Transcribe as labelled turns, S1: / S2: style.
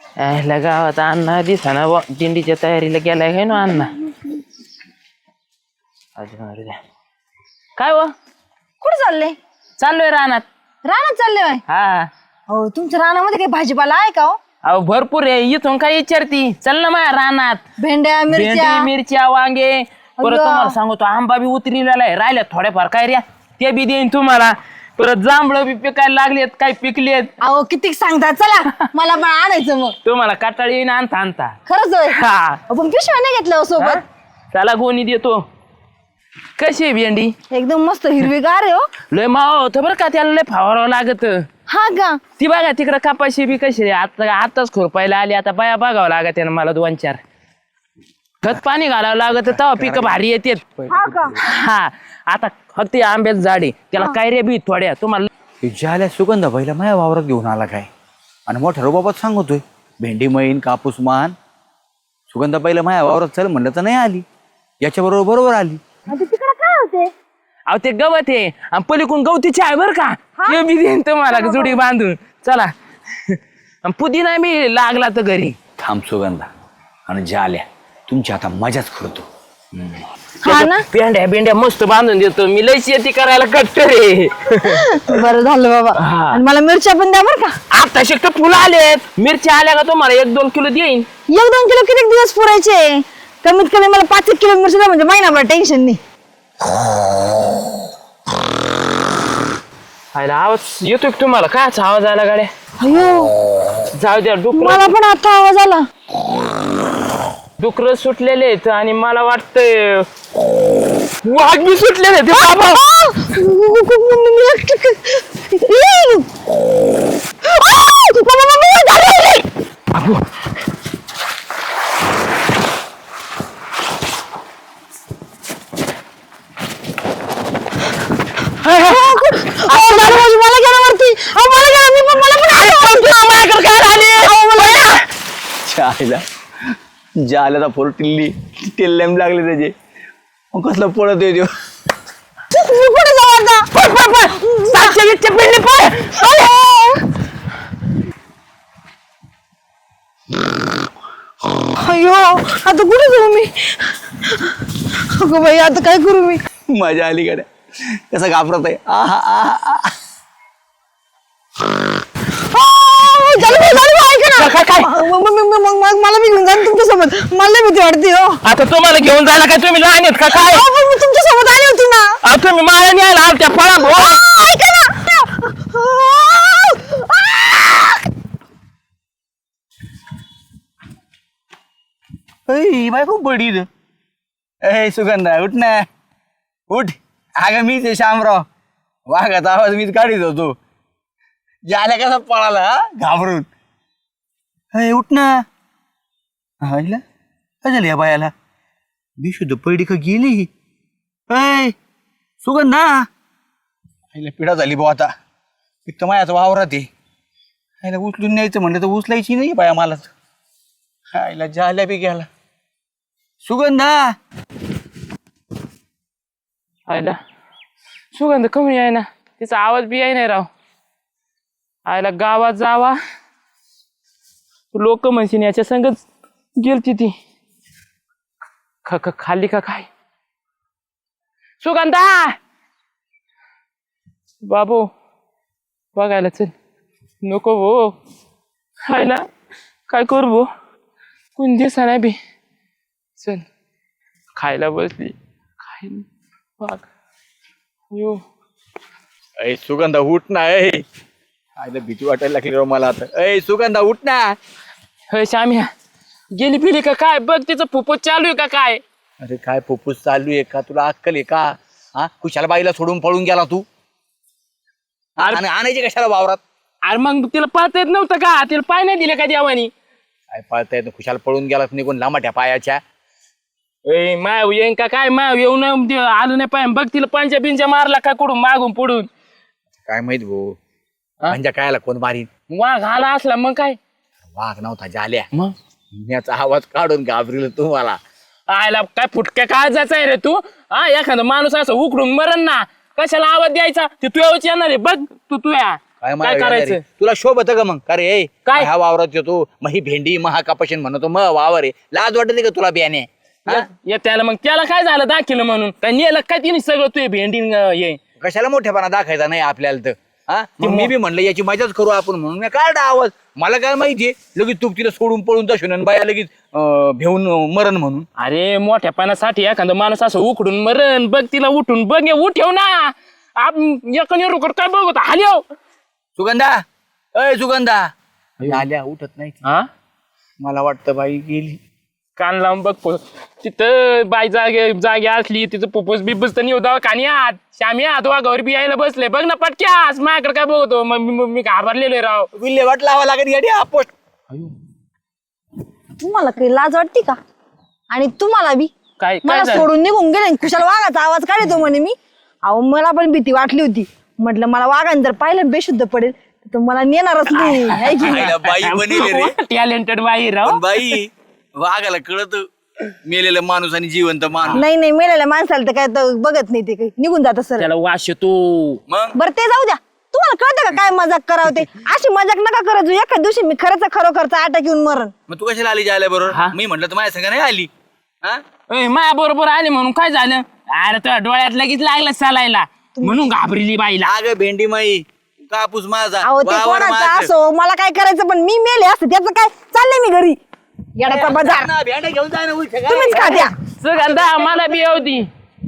S1: ह्याला गावात अण्णा दिसाना दिंडीच्या तयारीला गेलाय काय ना अण्णा. काय हो
S2: कुठे चालले?
S1: चाललोय रानात.
S2: रानात चालले होय?
S1: हा
S2: हो, तुमच्या रानामध्ये काही भाजीपाला आहे का हो?
S1: अहो भरपूर आहे. इथून काय विचारती, चल ना माझ्या रानात.
S2: भेंड्या, मिरच्या.
S1: भेंडी, मिरच्या, वांगे. परत तुम्हाला सांगतो आंबा बी उतरलेला आहे, राहिल्यात थोड्याफार काय रे ते बी देईन तुम्हाला. परत जांभळं बी पिकायला लागलेत, काय पिकलेत.
S2: अहो किती सांगता, चला मला पण आणायचं मग.
S1: तुम्हाला काटाळी येईन आणता आणता.
S2: खरंच होय?
S1: हा
S2: पण पिशव्या नाही घेतल्या हो सोबत?
S1: त्याला गोणी देतो. कशी आहे भेंडी?
S2: एकदम मस्त हिरवीगार आहे हो.
S1: लय मावा होतं बरं का, त्याला लय फवारावं लागत.
S2: हा का?
S1: ती बघा तिकडं कपाशी बी कशी रे, आताच खुरपायला आली. आता बाया बघावं लागत त्यानं मला 2-4 खत पाणी घालावं लागत, तेव्हा पिकं भारी येतात.
S2: हा का?
S1: हा आता फक्त आंब्याचं झाड आहे, त्याला काय रे बी थोड्या तुम्हाला.
S3: ज्याला सुगंधा पहिला माझ्या वावरात घेऊन आला काय, आणि मोठ्या रोबाबात सांगतोय भेंडी मैन कापूस मान. सुगंधा पहिला माझ्या वावरात चल म्हणलं तर नाही आली, याच्या बरोबर आली.
S2: तिकडे काय होते?
S1: अहो ते गवत आहे आणि पलीकडून गवतीची आहे बरं का, ते बी देईन तुम्हाला जुडी बांधून. चला पुदिना मी लागला तर घरी.
S3: थांब सुगंधा आणि ज्याल्या तुमची आता मजाच करतो.
S2: हा ना?
S1: भेंड्या मस्त बांधून देतो मी, लय शेती करायला कट्टर रे.
S2: बरं झालं बाबा. आणि मला मिरच्या पण द्या बरं का.
S1: आता शक्य फुलं आलेत, मिरच्या आल्या का तुम्हाला 1-2 किलो देईन.
S2: 1-2 किलो किती दिवस पुरायचे? कमीत कमी मला 5 किलो मिरची द्या, म्हणजे महिनाभर टेन्शन नाही.
S1: आवाज येतो की तुम्हाला? कायचा आवाज आला गाड्या?
S2: अयो,
S1: जाऊ द्या.
S2: मला पण आता आवाज आला.
S1: डुकर सुटलेले आहेत आणि मला वाटतंय वाघ बी सुटलेले आहेत. बाबा
S2: मला गेला वरती. मला गेला, मी पण
S3: ज्याला ज्याला फोर टिल्लेम लागले त्याचे, मग कसला पळत येतो.
S2: कुठे जाऊ आता? अयो, आता कुठे जाऊ मी? अगं बाई, आता काय करू मी?
S3: मजा आली गाड्या, कसं घाबरत आहे.
S2: मला मी घेऊन जाईन तुमच्यासोबत. मला भीती वाटते हो.
S1: आता तुम्हाला घेऊन जायला काय तुम्ही लहान आहेत का काय?
S2: मी तुमच्यासोबत आली होती ना.
S1: तुम्ही मला न्यायला आल त्या फळा.
S2: ऐका ना.
S3: बाय खूप बडी. ए सुगंधा उठ ना, उठ. अगं मीच आहे शामराव, वाघाचा आवाज मीच काढीत होतो. ज्याला कसा पळाला घाबरून. अय उठ ना. आईला काय झालं या बायाला? बेशुद्ध पडली का गेली? अय सुगंधा, आईला पिढा झाली भाऊ. आता एक तर माझ्याच वावरात आहे, आईला उचलून न्यायचं म्हणलं तर उचलायची नाही बाया मलाच. आईला जाल्या बी गेला. सुगंधा
S1: आयला सुगंध कमी आहे ना, तिचा आवाज बी आहे नाही राव. आयला गावात जावा, लोक म्हणशील याच्या संगच गेलती ती. खाल्ली का काय? सुगंधा बाबू बघायला चल. नको भो, आयला काय करू भो, कोण दिसा नाही बी. चल खायला बसली, खायला बघ. यो
S3: अय सुगंधा उठ ना. आईला भीती वाटायला लागली राव मला आता. अय सुगंधा उठ ना.
S1: हे श्याम्या गेली पिली का काय? बघ तिचं फुफुस चालू आहे का काय?
S3: अरे काय फुफ्फुस चालू आहे का? तुला अक्कल आहे का? हा, कुशाला बाईला सोडून पळून गेला तू. आणि आणायची कशाला वावरात?
S1: अरे मग तिला पाहता येत नव्हतं का? तिला पाय नाही दिले का देवानी?
S3: काय पळता येत? खुशाला पळून गेला निघून लांबाट्या पायाच्या.
S1: ए माय येईन का काय? माय येऊन आलं नाही पाय. बघ तिला पंचा बिंचा मारला का कुठून मागून पुढून?
S3: काय माहित भाऊ, म्हणजे कायला कोण मारीन?
S1: वाघ आला असला मग काय?
S3: वाघ नव्हता, जाल्या.
S1: मग
S3: याचा आवाज काढून घाबरील तुम्हाला.
S1: आयला काय फुटक्या काय जायचं आहे रे तू? एखादा माणूस असं उकडून मरण ना, कशाला आवाज द्यायचा? ते तुझ्यावरच येणार आहे बघ. तू
S3: काय
S1: काय करायचं?
S3: तुला शोभत का मग? अरे ए,
S1: काय?
S3: ह्या वावरात येतो मग ही भेंडी महाकापाशीन म्हणतो मग वावर आहे. लाज वाटते का तुला बियाणे?
S1: त्याला मग त्याला काय झालं दाखिलं म्हणून काय नेलं काय तिने सगळं तू भेंडी ये
S3: कशाला मोठेपणा दाखायचा नाही आपल्याला तर. हा मग मी बी म्हणलं याची मजाच करू आपण म्हणून मी काढला आवाज. मला काय माहितीये लगेच तू तिला सोडून पळून जाशील आणि बाया लगेच भेऊन मरण म्हणून.
S1: अरे मोठ्यापणासाठी एखादा माणूस असं उकडून मरण बघ तिला उठून बघ उठव ना रुकड काय बघ हाल्यो
S3: सुगंधा अय सुगंधा आल्या उठत नाही.
S1: हा
S3: मला वाटतं बाई गेली.
S1: कान लावून बघ तिथं बाई जागे असली तिचं पुपूस बिपूस तर निवदाव कानी आत श्यामी आत वाघावर बी यायला बसले बघ ना पटक्यास माझ्याकडे काय बघतो मग मी घाबरलेलो राव.
S3: विल्हेवाट लावा लागेल गाडी पोस्ट.
S2: तुम्हाला काही लाज वाटते का? आणि तुम्हाला बी
S1: काय
S2: मला
S1: झालं?
S2: सोडून निघून गेले कुशाला वाघाचा आवाज काढतो म्हणे मी. अहो मला पण भीती वाटली होती. म्हटलं मला वाघाने जर पाहिलं बेशुद्ध पडेल तर मला नेणारच नाही है की नाही?
S3: आईला बाई बनेले रे.
S1: टॅलेंटेड बाई राव.
S3: पण बाई वाघाला कळत मेलेला माणूस आणि जिवंत माणूस.
S2: नाही नाही मेलेल्या माणसाला तर काय तर बघत नाही ते काही निघून जात सर.
S1: त्याला वास येतो.
S3: मग
S2: बरं ते जाऊ द्या. तुम्हाला कळतं का काय मजाक करावं ते? अशी मजाक नका करत जाऊ. एका दिवशी मी खरंच खरोखरचा अटॅक येऊन मरण.
S3: मग तू कशाला आली जायला
S1: हा?
S3: बरोबर? मी म्हटलं तर माझ्या संग नाही आली. हा
S1: माया बरोबर आले म्हणून काय झालं अरे तुझ्या डोळ्यात लगेच लागलं चालायला म्हणून घाबरली बाईला.
S3: अगं भेंडी माई कापूस माझा
S2: अहो ते
S3: वावर
S2: कोणाचं
S3: माझं.
S2: असो मला काय करायचं पण मी मेले असते त्याचं काय चाललंय मी घरी. येण्याचा बाजार
S3: ना, भेंड्या घेऊन जाय ना उलट काय?
S2: तुम्हीच खात्या.
S1: सुगंधा मला बी होती